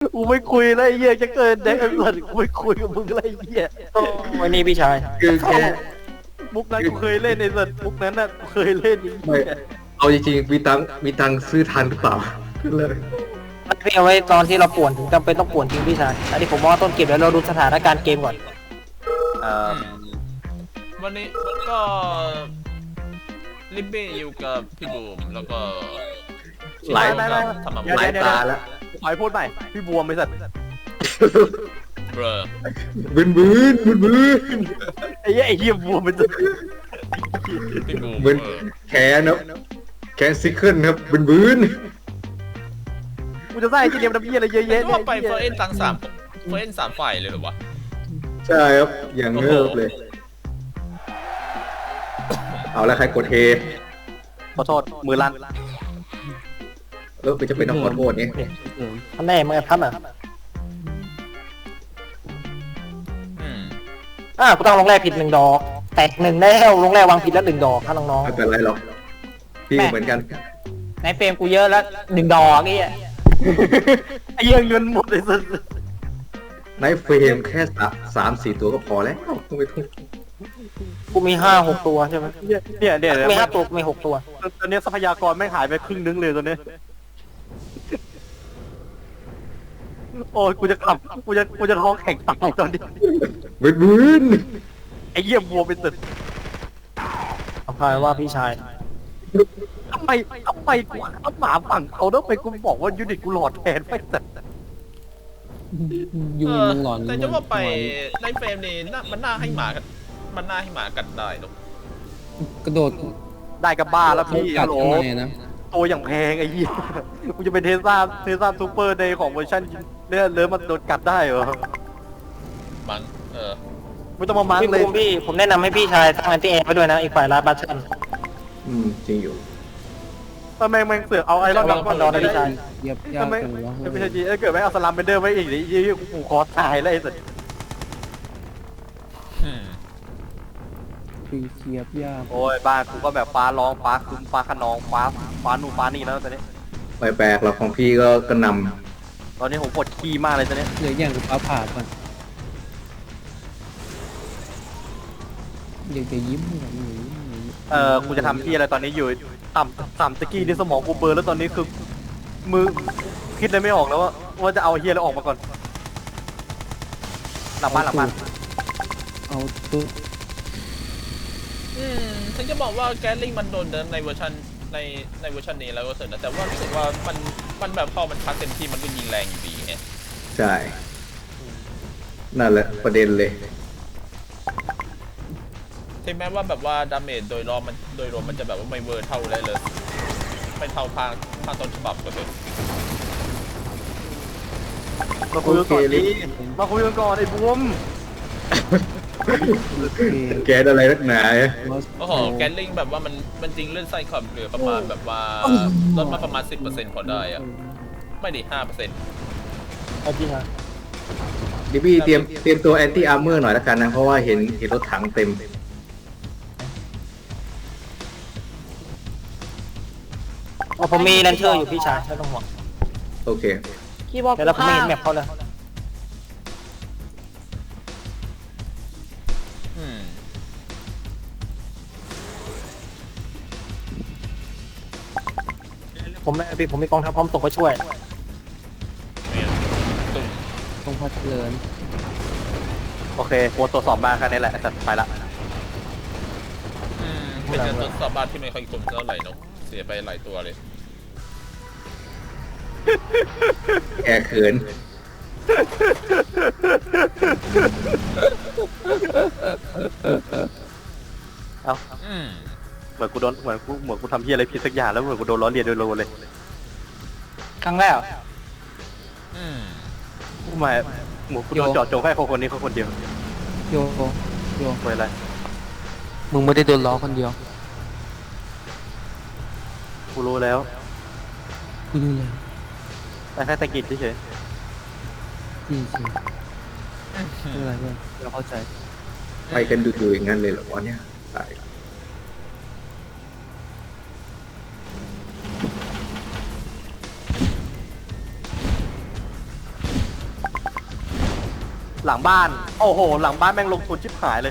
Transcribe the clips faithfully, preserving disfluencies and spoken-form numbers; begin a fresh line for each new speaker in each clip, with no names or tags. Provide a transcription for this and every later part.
กูไม่คุยแล้วไอ้เหี้ยจะเกินเด็กไอ้สัตว์กูไม่คุยกับมึงเลยไอ้เหี้ย
วันนี้พี่ชาย
คือแค่
มุกนั้นกูเคยเล่นในสัตว์มุกนั้นน่ะกูเคยเล่นไอ้
ไม่
เหี้ย
เอาจริงๆมีตังค์มีตังค์ซื้อทันหรือเปล่าเลย
มันพี่เอาไว้ตอนที่เราป่วนถึงจำเป็นต้องป่วนจริงพี่ชายอันนี้ผมว่าต้นเกมแล้วเราดูสถานการณ์เกมก่อน
เอ่อ
วันนี้ก็ลิบบี้อยู่กับพี่บูมแล้วก็
หลาย
ไม่ไม่
ทำมา
เดี๋ยว
หลาย
เดี๋ยว
ตาแล้ว
ขอให้พูดใหม่พี่บวมไอ้สัตว์
เบรอ
บืนบืนบืนบืน
ไอ้เหี้ยไอ้เหี้ยบวมเป็นสัตว์
พี่บูม
บืน
เออ
แขนครับแขนซิกเกิลครับบืนบืน
กูจะใส่ไอ้เกมน้ำเหี้ยอะไรเยอะ
เห็
แยะ
นว่าไปเฟอร์เอ็นตั้งสามเฟอร์เอ็นสามฝ่ายเลยเหรอวะ
ใช่ครับอย่างเงิบเลย เอาแล้วใครกดเฮ
ขอโทษมือลั่น
แล้วมันจะเป็นต้องขอโทษเนี่ย
ท่านแน่มึงไอ้พันอ่ะ
อืม
อ่ากูต้องลงแรกผิดหนึ่งดอกแตกหนึ่งแล้วลงแรกวางผิดแล้วหนึ่งดอกถ้าน้อง
ไม่เป็นไรหรอกพี่เหมือนกัน
ๆในเฟรมกูเยอะแล้วหนึ่งดอกนี่
ไอ้เหี้ยเงินหมดเลยสัตว์
ในเฟรมแค่สามสามสี่ตัวก็พอแล้วต้องไปทุ่ม
กูมีห้าหกตัวใช่ไหม
เนี่ยเนี่ยเนี่ย
มีห้าตัวกูมีหกตัว
ตอนนี้ทรัพยากรแม่งหายไปครึ่งนึงเลยตอนนี้โอ้ยกูจะขับกูจะกูจะท้องแข็งตายตอนนี้
บืนบืน
ไอ้เหี้ยบวมเป็นสัตว์
เอาพายว่าพี่ชาย
ทำไมทำไมกูเอาหมาฝั่งเขาแล้วไปกูบอกว่ายูนิตกูหลอดแทนไปสัตว์
ยู
เอ
นิ
อ
มึงหลอน
แต่จะว่าไปในเฟรมนี่น่ามันน่าให้หมากันมันน่าให้หมากัดได้เนอะ
กระโดด
ได้กับบ้าแล้วพี่
กั
ฮั
ด
ลโหล
ข้างในนะ
ตัวอย่างแพงไอ้เหี้ยกูจะเป็นเทสลาเทสลาซูเปอร์ในของเวอร์ชันเนี่ยเริ่มมันโดนกัดได้เหรอ
มันเออ
ไม่ต้องมามัง
พี่
เลย
บูมพี่ผมแนะนำให้พี่ชายตั้งแอนตี้แอร์ไปด้วยนะอีกฝ่ายลาบัชชัน
อืมจริงอยู่
ทำไมแม่งเสือกเอาไอรอนดักก่อน
รอนะพี่ชาย
เหยียบยาก
ทำไม
จังวะ
ไม่ใช่จีเกิดไม่เอาสลัมเบนเดอร์ไว้อีกดิยี่กูคอตายแล้วไอ้สัส
อืม
คือเหยียบยาก
โอ้ยบ้านกูก็แบบฟ้าร้องฟ้าคึ้มฟ้าขนองฟ้าฟ้านู่นฟ้านี่แล้วตอนนี้
ไม่แปลกหรอกของพี่ก็กระหน
ตอนนี้ผมปวดขี้มากเลยตอนนี้
เหลืออย่างกับฟ้าผ่าก่อนอยากจะยิ้มเหมือนหนู
เออกูจะทำที่อะไรตอนนี้อยู่ต่ำต่ำตะกี้นี่สมองกูเบลอแล้วตอนนี้คือมือคิดอะไรไม่ออกแล้วว่าว่าจะเอาเฮียแล้วออกมาก่อนหลับบ้านหลับบ้าน
เอาตัว
อืมฉันจะบอกว่าแกลลิงมันโดนเดินในเวอร์ชันในในเวอร์ชันนี้แล้วก็เสร็จนะแต่ว่ารู้สึกว่ามันมันแบบพอมันพักเต็มที่มันก็ยิงแรงอยู่ดีไง
ำใช่นั่นแหละประเด็นเลย
ถึงแม้ว่าแบบว่าดาเมจโดยรวมมันโดยรวมมันจะแบบว่าไม่เวอร์เท่าได้เลยไม่เท่าภาคภาคต้นฉบับก็เถอะ
มาคุยกันก่อนดิมาคุยกันก่อนไอ้บวม
แกนอะไรนักหนาเนี่ย
โอ้โหแกลลิงแบบว่ามันมันจริงเลื่อนไส้ขอบเหลือประมาณแบบว่าลดมาประมาณ สิบเปอร์เซ็นต์ พอได้อะไม่ดิห้าเปอร์เซ็นต์
เอาพี่ชาย
ดิบี้เตรียมเตรียมตัวแอนตี้อาร์เมอร์หน่อยแล้วกันนะ เพราะว่าเห็นเห็นรถถังเต็ม
อ๋อผมมีแลนเชอร์อยู่พี่ชายไม่ต้องห่วง
โอเค
คีย์บอร์ด
เดี๋ยวเราผมไม่เห็นแมปเขาเลย
อืม
ผมไม่พี่ผมมีกองทัพพร้อมตกไปช่วย
เนี่ยตุ่ม
ตรงพัดเลิน
โอเคโค้ดตรวจสอบมาแค่นี้แหละแต่ไปละ
อืมเป็นการทดสอบบ้านที่ไม่ค่อยคมเท่าไหร่เนอะเสียไปหลายตัวเลย
แกเขิน
เอ้า
อืม
เหมือนกูโดนเหมือนกูเหมือนกูทำเฮียอะไรผิดสักอย่างแล้วเหมือนกูโดนล้อเลียนโดยโลเลย
ครั้งแรก
อืม
กูหมายเหมือนกูโดนเจาะจงแค่คนคนนี้คนคนเดียว
โยโย
ไปอะไร
มึงไม่ได้โดนล้อคนเดียว
กูรู้แล้ว
กูดูเลย
แต่แค่ตะกิดเฉย
จริงจริงอะไรเนี่ยเราเข้าใจ
ไปกันดูๆอย่างนั้นเลยเหรอวะเนี่ยตาย
หลังบ้านโอ้โหหลังบ้านแม่งลงทุนชิบหายเลย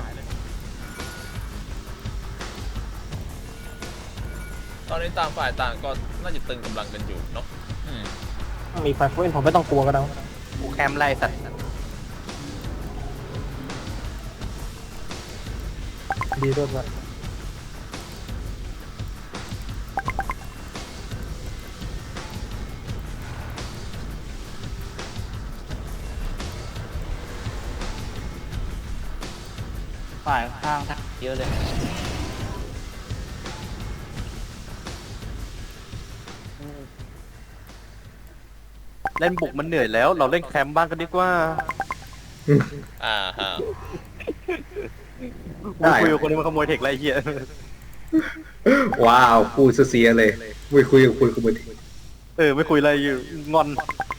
ตอนนี้ต่างฝ่ายต่างก็น่าจะตึงกำลังกันอยู่เนาะอืม
มีไฟฟ้าผมไม่ต้องกลัวก็ได้
กูแคมไล่สัตว์
ดีด้วยกัน
ฝ่ายข้างทักเยอะเลย
เล่นบุกมันเหนื่อยแล้ว เราเล่นแคมป์บ้างกันดีกว่า
อ่าฮะ
กูคุยกับคนนี้มันขโมยเทคไรเหี้ย
ว้าวพูดเสียเลยคุยคุยกับคุยกับมึง
เออไม่คุยอะไรอยู่งอน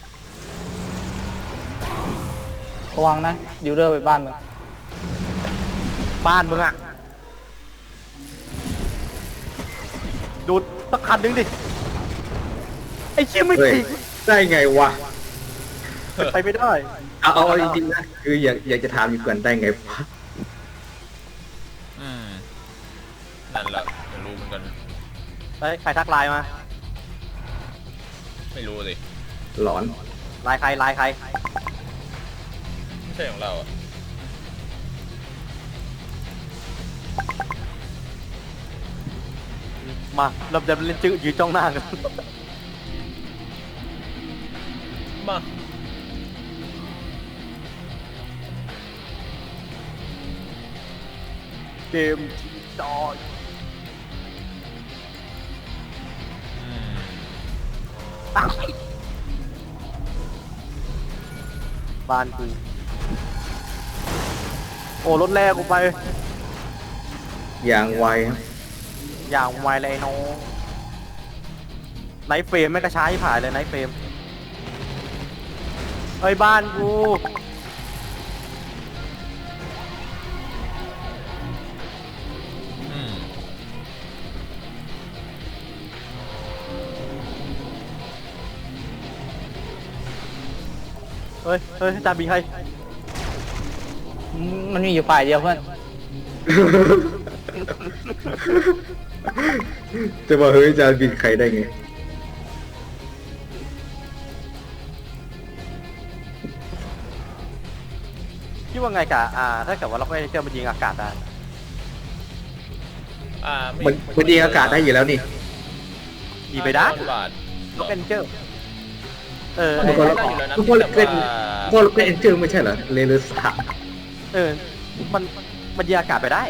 ระวังนะดิวเดอร์ไปบ้านมึง
บ้านมึงอะดูดสักคันนึงดิไอ้เชี่ยไม่
เฮ้ย
จริง
ได้ไงวะ
ไปไม่ได้
เอาเอาจริงๆนะคืออยากอยากจะถามอยู่ก่อนได้ไงวะ
อืมนั่นแหละไม่รู้เหมือนกัน
ไปใครทักไลน์มา
ไม่รู้สิ
หลอน
ไลน์ใครไลน์ใคร
ไม่ใช่ของเราอะ
มาเราจะเล่นจื้อยืนจ้องหน้ากัน
มา
เกมจอย
อืม
บ้านกูโอ้รถแรกกูไป
อย่างไวครับ
อย่างไวเลยน้องไนท์เฟรมไม่กระช้าที่ผ่านเลยไนท์เฟรมเฮ้ยบ้านกู
อืม
เฮ้ยเฮ้ยจาบีใคร
มันมีอยู่ฝ่ายเดียวเพื่อน
จะมาเฮ้ยจะบินใครได้ไง
คิดว่าไงกะอ่าถ้าเกิดว่าเราไม่เจอมันยิงอากาศได้
อ่าไ
มันมันยิงอากาศได้อยู่แล้วนี่
ยิงไปได้
บาท
ล็อกเอนเจอร์เออ
ทุกคน
ได้อยู่แล้วนะ
ทุกคน
แต่
เป็น
ว่า
พวกเราเป็นเอ็นเจอร์ไม่ใช่เหรอเลเลสาม
เออมันมันยิงอากาศไปได้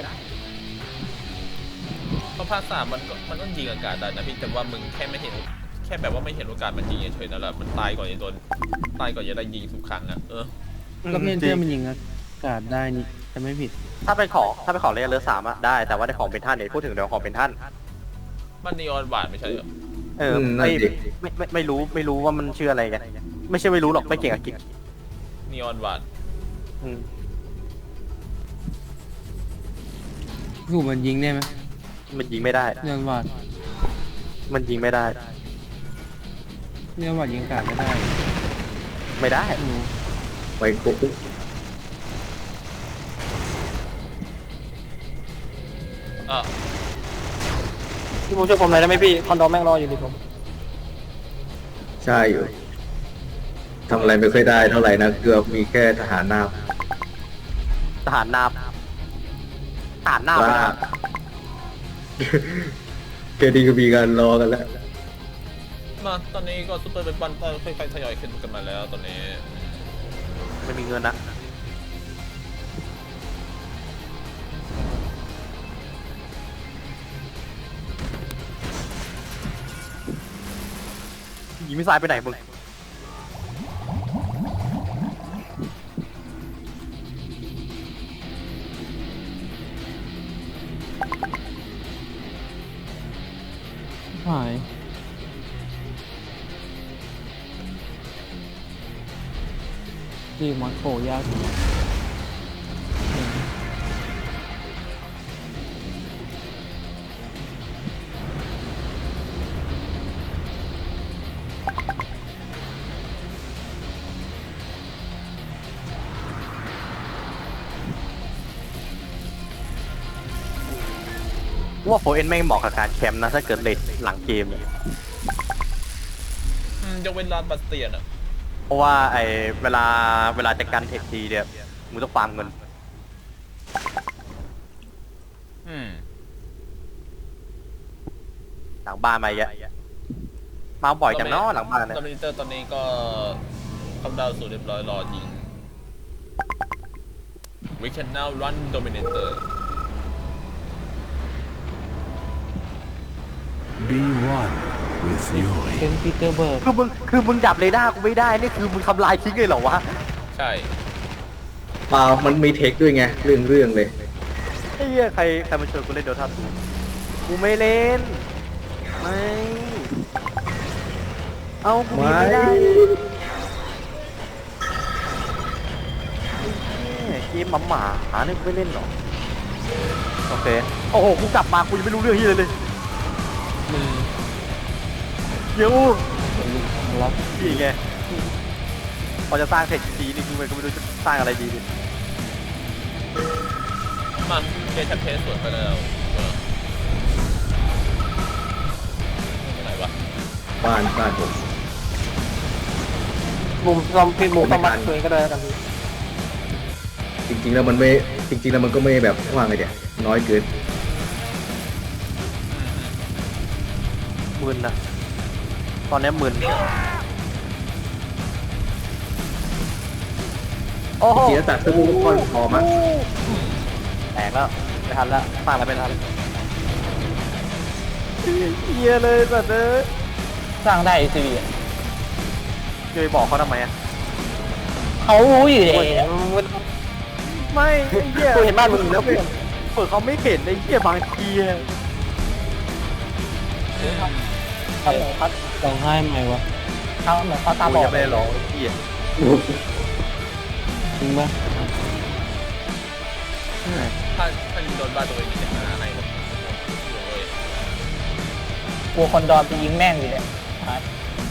เพราะภาคสามมันก็มันต้องยิงอากาศได้นะพี่แต่ว่ามึงแค่ไม่เห็นแค่แบบว่าไม่เห็นโอกาสมันยิงเฉยๆนั่นแหละมันตายก่อนจะโดนตายก่อนจะได้ยิงทุกครั้งอ่ะเออ
ก็เมนเจอร์มันยิงอากาศได้นี่จะไม่ผิด
ถ้าเป็นของถ้าเป็นของเลเยอร์สามอะได้แต่ว่าในของเป็นท่านเนี่ยพูดถึงเรื่องของเป็นท่าน
มันนีออนบาทไม่ใช่เหรอ
เออไม่ไม่ไม่ไม่รู้ไม่รู้ว่ามันชื่ออะไรกันไม่ใช่ไม่รู้หรอกไม่เก่งอังกฤษ
นีออนบาท
อืม
ถูกมันยิงได้ไหม
มันยิงไม่ได้
เรื่องวาด
มันยิงไม่ได้
เรื่องวาดยิงอากาศไม่ได้
ไม่ได้
อืม
ไปกุ๊ก
อ่ะ
พี่ผมช่วยผมหน่อยได้ไหมพี่คอนโดแม่งรออยู่ดิผม
ใช่อยู่ทำอะไรไม่ค่อยได้เท่าไหร่นะเกือบมีแค่ทหารนาบ
ทหารนาบทหารนาบ
ว่า แค่ดีก็มีการรอกันแล้ว
มาตอนนี้ก็ซูเปอร์เป็นปันก็ค่อยๆทยอยขึ้นกันมาแล้วตอนนี้
ไม่มีเงินนะยิงมิสไซล์ไปไหนมึง
หายดีมอนโคยากอยู่
ว่าโฟเอ็นแม่งเหมาะกับการแคมป์นะถ้าเกิดเลทหลังเกมเนี่ย
อืมยกเว้นลานบาสเตียนอะ
เพราะว่าไอเวลาเวลาจะกันเทคทีเนี่ยมึงต้องฟาร์มเงิน
อืม
หลังบ้านมาเยอะมาบ่อยจังเนาะหลังบ้านเนี่ย
ดอมิเนเตอร์ตอนนี้ก็คำดาวสู่เรียบร้อยรอยิง We can now run Dominator
Be one with Yuri.
เป็นปีเตอร์เบิร์ก
คือมึงคือมึงดับเรดาร์กูไม่ได้นี่คือมึงทำลายทิ้งเลยเหรอวะ
ใช่
เปล่ามันมีเทคด้วยไงเรื่องเรื่องเลย
ไอ้เหี้ยใครใครมาชวนกูเล่นโดทาทูกูไม่เล่นไม่เอากูยิงไม่ได้ไอ้เหี้ยเกมหมาหมาหาเนี่ยกูไม่เล่นหรอกโอเคโอ้โหกูกลับมากูยังไม่รู้เรื่องที่เลยเลยเดี๋ยว
รับ
นี่ไงพอจะสร้างเทคทีนี่กูก็ไม่รู้จะสร้างอะไรดีดิ
มาเกมแชมเปญสวนไปแล้วเออไปไหนวะ
บ้านบ้านผม
มุมซอมพี่มุมซอมมัดตัวเองก็ได้แล้วกันพี่
จริงๆแล้วมันไม่จริงๆแล้วมันก็ไม่แบบว่าไงเดี๋ยวน้อยเกิน
มึนนะตอนนี้มึนโอ้
จ
โห
ริงๆแล้วตัดตู้ก้อนพอมั้ง
แตกแล้วไม่ทันแล้วสร้างอะไรไม่ทันเฮียเลยสัตว์เอ้ย
สร้างได้ซีวีอะ
จะไปบอกเขาทำไมอ่ะ
เขารู้อยู่เลย
ไม่ไอ้เหี้ย
กูเห็นบ้านมึงแล้วเพื่อน
เปิดเขาไม่เห็นไอ้เหี้ยบางทีอะ
พัด
ร้องไห้ไหมวะ
เขาเหมือนเขาตาบ
กู
อ
ยั
ด
งไม่ได้ร้องไอ้เหี้ย
จริงปะ
ถ้าถ้ายิงโดนบ้านตัวเองมีแต่หน้าให้เลยโอ้ย
กลัวคนดอนไปยิงแม่งอยู่เลยหาย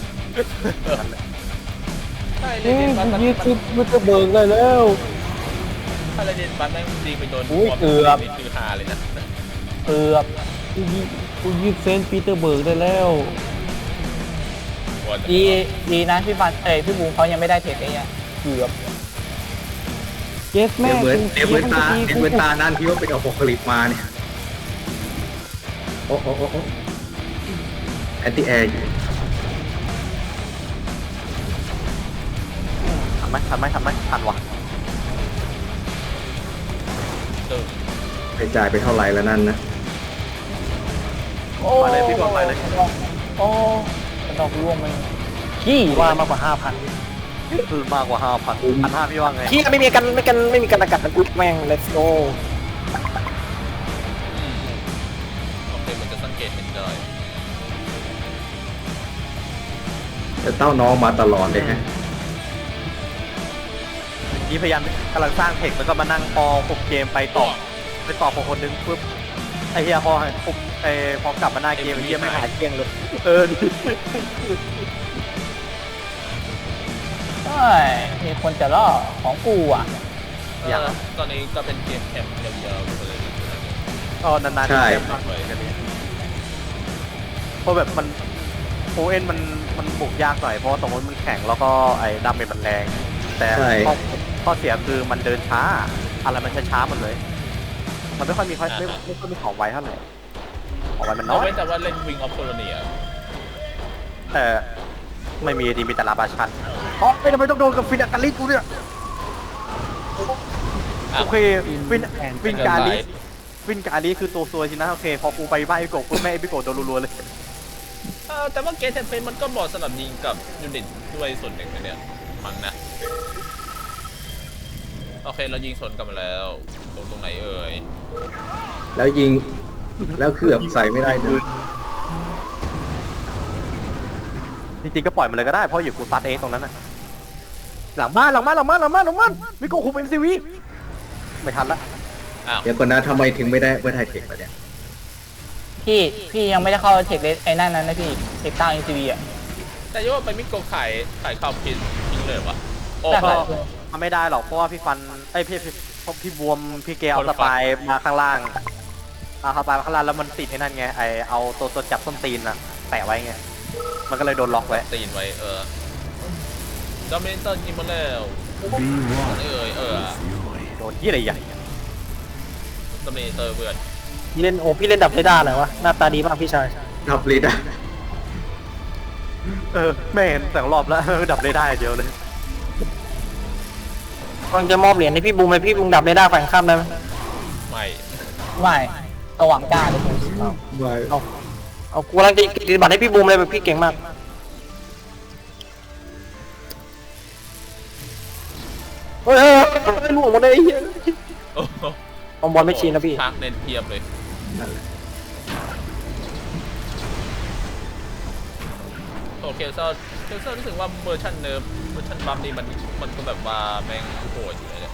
ใช่เล
เฮ้ย
เดนบัสมัน
ยี่สิบปีเตอร์เบิร์กได้แล้ว
ถ้าเลเดนบัสแม่งยิงไปโดน
อุ้ย
บอม
เกือบ
นี่คือฮาเลยนะ
เกือบ
กูยิงกูยิงเซนต์ปีเตอร์เบิร์กได้แล้ว
วัน
ดีดีนะพี่บันเอ้ยพี่บูมเขายังไม่ได้เทคไอ้เนี่ยเกือบ
เย็ดแม่
เดี๋ยวเหมือนเดี๋ยวเหมือนตาเดี๋ยวเหมือนตานั่นที่ว่าเป็นอโพคาลิปมาเนี่ยโอ้โอ้โอ้โอ้แอนตี้แอร์
ทันไหมทันไหมทันไหมทันวะ
ตึง
ไปจ่ายไปเท่าไหร่แล้วนั่นนะ
โอ้
ไปเลยพี่บอลไปเลย
โอ้กระดอกร่วงมันขี้
ว่ามากกว่าห้าพัน
คือมากกว่าห้าพันพันห้าพี่ว่าไง
ขี้ไม่มีกันไม่กันไม่มีกันอากาศนะกูแม่ง let's go
อืมโอเคมันจะสังเกตเห็นได้
แต่เต้าน้องมาตลอดเลยฮะ
นี่พยายามกำลังสร้างเทคแล้วก็มานั่งพอหกเกมไปต่อไปต่อพอคนนึงปุ๊บไอ้เฮียพอปุ๊บไอ้พอกลับมาหน้าเกมไอ้เฮียไม่หายเกลี้ยงเลยเออ
ใช่มีคนจะล่อของกูอ่ะ
เออตอนนี้ก็เป็นเกมแคมป์ยาวๆไปเลย
ก็นานๆเกมมากเลยกันนี้เพราะแบบมันโอเอ็นมันมันบุกยากหน่อยเพราะสมมติมันแข็งแล้วก็ไอ้ดาเมจมันแรงแต่ข้อข้อเสียคือมันเดินช้าอะไรมันช้าๆหมดเลย มันไม่ค่อยมีค่อยไม่ไม่ค่อยมีของไวเท่าไหร่ของไวมันน้
เอา
อย
ไว้แต่ว่าเล่นวิงออฟโคลเนีย
แต่ไม่มีดีมีแต่ลาบาชันอ๋อไม่ทำไมต้องโดนกับฟินอาการิกูเนี่ยโอเคฟินฟินการิฟินการิคือตัวซวยสินะโอเคพอกูไปบ้านไอโกะกูแม่ไอโกะโดนรัวๆเลย
เออแต่ว่าเกมแคมเปญมันก็เหมาะสำหรับยิงกับยูนิตด้วยส่วนหนึ่งนะเนี่ยมันนะโอเคเรายิงสวนกลับมาแล้วตรงตรงไหนเอ่ย
แล้วยิงแล้วเคลือบใส่ไม่ได้เลย
จริงๆก็ปล่อยมันเลยก็ได้เพราะอยู่กูซัดเองตรงนั้นน่ะหลังบ้านหลังบ้านหลังบ้านหลังบ้านหลังบ้านมิโกะคุมเอ็มซีวีไม่ทันละ
อ้าว
เดี๋ยวก่อนนะทำไมถึงไม่ได้ไม่ได้เทคมาเนี่ย
พี่พี่ยังไม่ได้เข้าเทคเลสไอ้นั่นนั้นนะพี่เทคตั้งอินซีวีอ่ะ
แต่ยังว่าไปมิโกะขายขายข้าวพินทิ้งเลยวะโอ้
แต่
โห
ขาย
มันไม่ได้หรอกเพราะว่าพี่ฟันไอ้ยพี่พี่พี่บวมพี่เกลเอาสปายมาข้างล่างเอาเข้าไปข้างล่างแล้วมันติดไอ้นั่นไงไอเอาตัวตัวจับส้นตีนอะแปะไว้ไงมันก็เลยโดนล็อกไว้
ตีนไว้เออดอมิเนเตอร์กินมาแล้ว
Be one
เอ้ยเออ
with fury.
โดนยี่อะไรใหญ่
ดอมิเนเตอร์เพื่อน
พี่เล่นโอ้พี่เล่นดับเรดาร์เลยวะหน้าตาดีมากพี่ชาย
ดับลิดอะ
เออไม่เห็นแต่รอบแล้ว ดับเลยได้เดียวเลย
กำลังจะมอบเหรียญให้พี่บูมเลยพี่บูมดับเรดาร์ฝั่งข้ามได้ไหม
ไม่
ไม่สว่างกล้าเลยผม
ไม่
เอาเอากูกำลังจะปฏิบัติให้พี่บูมเลยแบบพี่เก่งมากเฮ้ยเฮ้ยเฮ้ยล่วงหมดเลยไอ้เหี้ย
โอ้โห
เอาบอลไม่ชินนะพี่
ชักเน้นเทียบเลย
นั่นแหละ
โอเคเซอร์เคเซอร์รู้สึกว่าเวอร์ชันเนิร์ฟเวอร์ชันบัฟนี่มันมันก็แบบว่าแม่งโหดอยู่เลยเนี่ย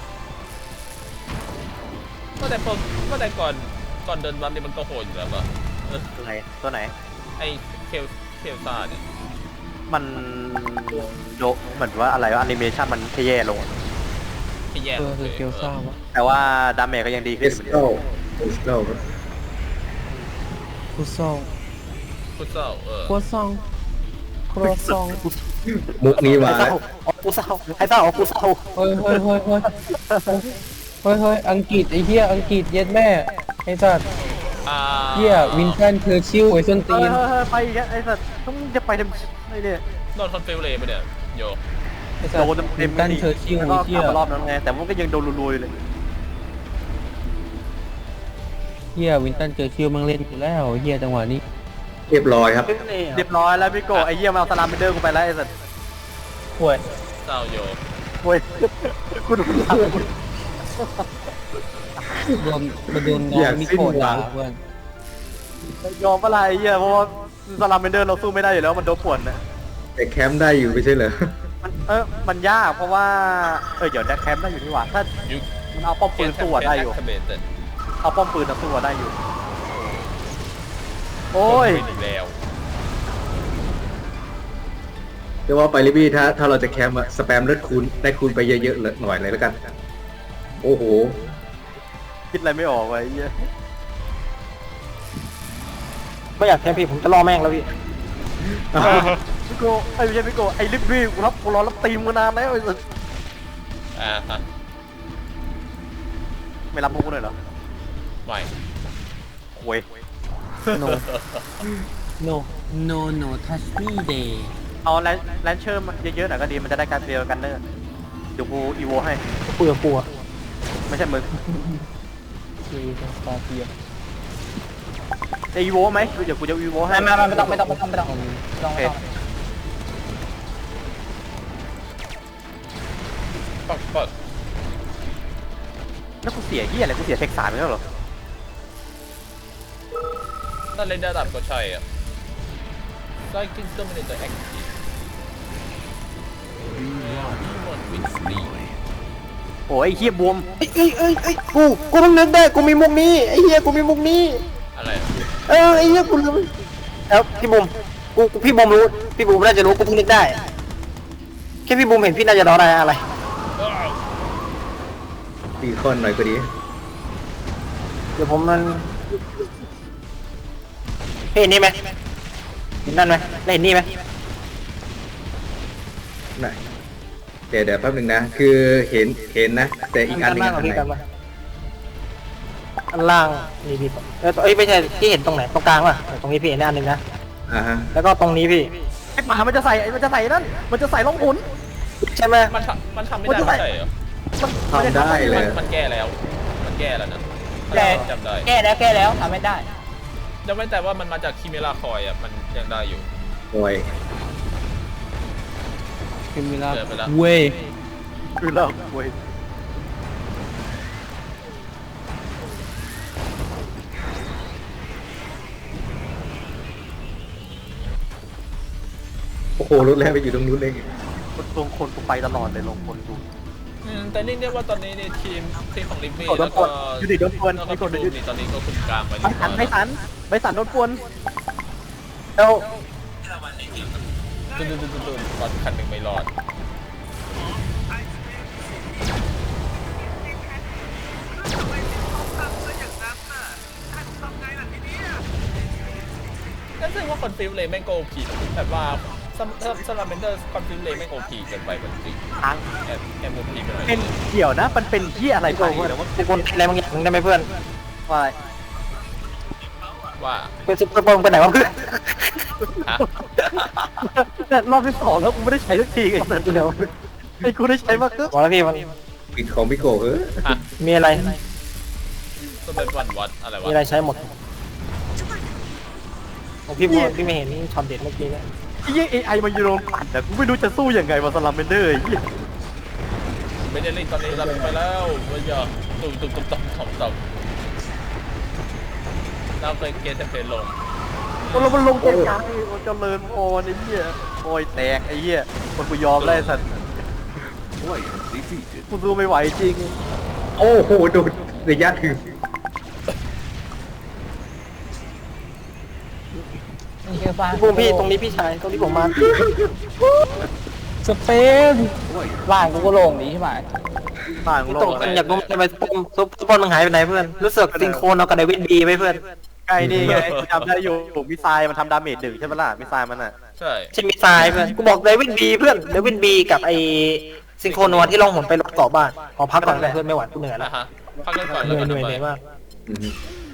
ก็แต่พอก็แต่ก่อนก่อนเดินบัฟนี่มันก็โหดอยู่แล้วป่ะเออ
ตัวไหนตัวไหน
ไอเคลเคลซ่าเนี่ย
มันโดเหมือนว่าอะไรวะแอนิเมชันมันแย่ลง
ที่แย่
เออ
ลง
คือ
เลย
เกียวซ่าวะ
แต่ว่าดาเมจก็ยังดี
เอ
ขึ้น
ส
อยู่
โก้เอสโก้
คุซอง
ฟุตซอลเออ
ครัวซองครัวซอง
มุกนี้มา
ไอ้
แล้
เศร้าว อ๋อกูเศร้าไอ้เศร้าอ๋อกูเศร้า
เฮ้ยเฮ้ยเฮ้ยเฮ้ยเฮ้ยเฮ้ยอังกฤษไอ้เหี้ยอังกฤษเย็ดแม่ไอ้สัตว์
อ่า
เหี้ยวินตันเชอร์ชิลไอ้ส้น
เอ
ตี
อน เออเออไปอีกแล้วไอ้สัสต้องจะไปทำไอ้เนี่ย
โดนคอนฟิวเลยไปะเนี่ยโย
ไอ้สัต
โด
ว์
นเต็
วิ
ม
น
ๆ
ตัน
นี่
เชอร์ชิล
แล้วก็
ไอ้
ก
เหี้
ลั
ย
บมารอบนั้นไงแต่มันก็ยังโดนลุยๆเลย
เหี้ยวินตันเชอร์ชิลมึงเล่นอยู่แล้วเหี้ยจังหวะนี้
เรียบร้อยครับ
เรียบร้อยแล้วพี่โกไอ้เหี้ยมาเอาสลามเบนเดอร์กูไปแล้วไอ้สัส
ป่วย
เศร้าโย
โว้ยกูโดนหลับ
โดนมาโดนน้อ
อยาก
งมิ
สิ้น
โกะ
หวั
ด่าง เพื่อน
ยอมอะไรไอ้เหี้ยเพราะว่าสลามเบนเดอร์เราสู้ไม่ได้อยู่แล้วมันโดนป่วนนะ
แต่แคมป์ได้อยู่ไม่ใช่เหรอ
มันเออมันยากเพราะว่าเออเดี๋ยวแดกแคมป์ได้อยู่นี่หว่าถ้า
ยุ
มันเอาป้อมปืนสู้อะได้อยู่
แคมเบเตอร์
เอาป้อมปืนอะสู้อะได้อยู่โอ้ย
อีกแล้ว
เรียกว่าไปลิบี้ถ้าถ้าเราจะแคมป์อะสแปมเลือดคูณได้คูณไปเยอะๆเลยหน่อยเลยแล้วกัน โอ้โห
คิดอะไรไม่ออกไว้ไอ้เหี้ย
ไม่อยากแค่พี่ผมจะล่อแม่งแล้วพี่
พี่โกไอ้ไม่ใช่พี่โกไอ้ลิบบี้กูรับกูรอรับตีมมานานแล้วไอ้สัส
อ่าฮะ
ไม่รับพวกกูเลยเหรอ
ไม่
โว้ย
no no no no touch me day
เอาแลนแลนเชอร์มาเยอะๆหน่อยก็ดีมันจะได้การเดียวกันเนอร์เดี๋ยวกูอีโวให้
กูกับกูอะ
ไม่ใช่มึง
คือสตาร์เทีย
จะอีโวไหมเดี๋ยวกูจะอีโวให้
ไม่ไม่ไม่ต้องไม่ต้องไม่ต้องไม่ต้องไม่ต้องไม่ต้อง
ปักปัก
แล้วกูเสียเหี้ยอะไรกูเสียเทคสามไปแล้วเหรอ
นั่นเล่นระดับก็ใช่อ่ะไซคิงก็ไม่ได้จะแอคทีฟ
Be one
มันวินสตี
โอ้ยไอ้เหี้ยบวม
เอ้ยเอ้ยเอ้ยเอ้ยกูกูเพิ่งนึกได้กูมีมุกนี้ไอ้เหี้ยกูมีมุกนี้
อะไรอะ
เออไอ้เหี้ยกูลืมแล้วพี่บุมกูกูพี่บุมรู้พี่บุมน่าจะรู้กูเพิ่งนึกได้แค่พี่บุมเห็นพี่น่าจะร้องอะไรอะไร
อ้าว
ตีคอนหน่อยก็ดี
เดี๋ยวผมมันเห็นนี่ไหมเห็นนั่นไหมได้เห็นนี่ไหม
ไหนเดี๋ยวเดี๋ยวแป๊บหนึงนะ คือเห็นเห็นนะ แต่อีกอันหนึง
ด้า
อั
ล่าง
น
พี่
ไหน
กันมาอันล่างนี่พี่เออเอ้ยไม่ใช่ที่เห็นตรงไหนตรงกลางป่ะตรงนี้พี่เห็นได้อันหนึ่งนะ
อ่าฮะ
แล้วก็ตรงนี้พี่
ไอ้หมามันจะใส่มันจะใส่นั่นมันจะใส่ล่องหุน
ใช่ไหม
มันทำมันทำไม่ได้ไม่ใช่เหรอ
ทำได้เล
มัน
ย
มันแก้แล้ว มันแก้แล้วนะ
แก้
จำได้
แก้แล้วแก้แล้วทำไม่ได้
จำไม่แต่ว่ามันมาจากคิเมราคอยอ่ะมันยังได้อยู่
โอ้ย
เป็นเวลา
เจอไปแล้ว
เว้ย
คือเราโว้ย
โอ้โหรถแล่นไปอยู่ตรงนู้นเอง
ลงคนกูไปตลอดเลยลงคนกู
อืมแต่นี่เรียกว่าตอนนี้ในทีมทีมของลิมมี่
โดน
แล้ว
ป
ก็
วนอยู่ดิโดนปวน
แล้ว
มี
ก็
คน
พี่
อยู่
ดูนี่ตอนนี้ก็คุมกลางไป
ไม่สันไม่สันไม่สันโดนปวน
แล้ว
ตุ้นตุ้นตุ้นตุ้นรถคันหนึ่งไม่รอด
เ
ว่าคอนฟิวเลยแม่งโกพีแบบว่าซัมซัมลาเมนเดอร์คอนฟิวเลยแม่งโอพีเกินไปมันจริง
ทาง
แอบแอบโอพีไปหน่อย
เป็นเกี่ยวนะ มันเป็นที่อะไรไป
เพื่อน
แล้วว่า
กูคนอะไรบางอย่างได้ไหมเพื่อน
ว่า
ว่า
เป็นซุปเปอร์บอลไปไหนวะเพื่อน
ฮะ
เนี่ยรอบที่สองแล้วกูไม่ได้ใช้สักทีไอ้สัตว์เดียวไอ้กูได้ใช้มาก็
บอกแล้วพี่มัน
ปิดของพี่โก้เฮ้ย
ฮะ
มีอะไร
ก็เป็นวันวัดอะไรวะ
มีอะไรใช้หมดของพี่บัวพี่ไม่เห็นช็อตเด็ดเมื่อกี้เนี่ย
ไอ้เหี้ยเอไอมันอยู่โรงปั่นแต่กูไม่รู้จะสู้ยังไงมาสลัมเบนเดอร์ไอ้เหี้ย
ไม่ได้เล่นตอนนี้รับไปแล้วว่าอย่าตุ้มตุ้มตุ้มตุ้มตุ้มตุ้มเราเคยเกตเพลลง
มันลงมันลงเกมกลางไอ้มันเจริญพรไอ้เหี้ยโอยแตกไอ้เหี้ยมันกูยอมแล้วไอ้สัตว์
Player defeated.
กูสู้ไม่ไหวจริง
โอ้โหโดนระยะถึง
นี่คือบ้าน
พี่บูมพี่ตรงนี้พี่ชายตรงที่ผมมา
สเปนบ้านกูก็โล่งดีใช่ไหม
บ้านของ
ต
โล
ก
ก
กันอยากรู้ทำไมซุปซุปซุปบอลมึงหายไปไหนเพื่อนรู้สึกซิงโครนเอากับเดวิดบีไปเพื่อน
ใกล้นี่ไงกูจำได้อยู่มิสไซล์มันทำดาเมจดึงใช่ไหมล่ะมิสไซล์มันอ่ะ
ใช่
ใช่มิสไซล์เพื่อนกูบอกเดวิดบีเพื่อนเดวิดบีกับไอซิงโครนัวที่ล่องหนไปรถเกาะบ้านขอพักก่อนเพื่อนไม่ไหวกูเหนื่อย
นะ
แล้ว
ฮะพักกันก่อน
เห
แล้ว
นื่อย
กัน
เหนื่อยเหนื่อยมาก
อืม